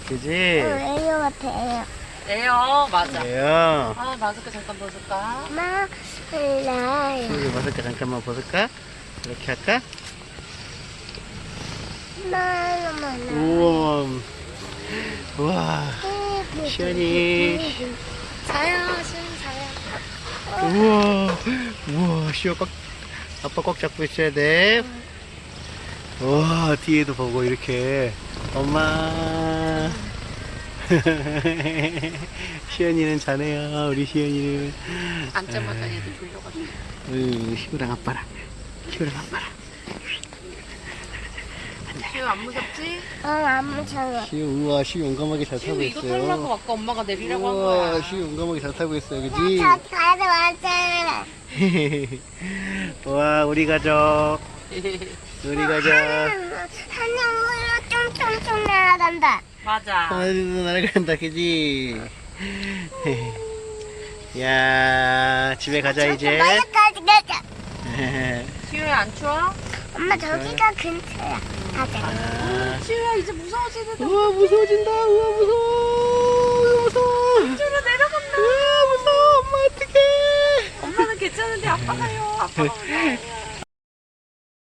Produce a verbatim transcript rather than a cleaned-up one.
그지? 에어 같아, 에어. 에어 맞아. 그래요. 아 마스크 잠깐 벗을까? 엄마, 몰라요. 시우이 벗을까? 잠깐만 벗을까? 이렇게 할까? 엄마, 엄마, 우와. 우와. 시연이. 자요 시은 자요. 우와. 우와. 시우 꽉, 아빠 꽉 잡고 있어야 돼. 우와. 뒤에도 보고 이렇게. 엄마. 시연이는 자네요. 우리 시연이는. 앉자마자 얘도 졸려가지고. 응, 시우랑 아빠랑. 시우랑 아빠랑. 시우 안 무섭지? 어, 안 무서워. 시우, 우와, 시우 용감하게 잘 타고 시우 이거 있어요. 타려고 아까 엄마가 내리라고 한 우와, 거야. 시우 용감하게 잘 타고 있어요, 그지? 다 가야 맞아. 와, 우리 가족. 우리 가족. 하늘으로 쫑쫑쫑 날아간다. 맞아. 하늘도 날아간다, 그지? 야, 집에 가자, 이제. 머리까지 가자. 시우야 안 추워? 엄마 저기가 근처야. 가자. 아, 시우야 이제 무서워지는데. 우와, 무서워진다. 우와, 무서워. 우와, 무서워. 시우야 내려간다. 우와, 무서워. 엄마, 어떡해. 엄마는 괜찮은데 아빠가요. 아빠가 무서워.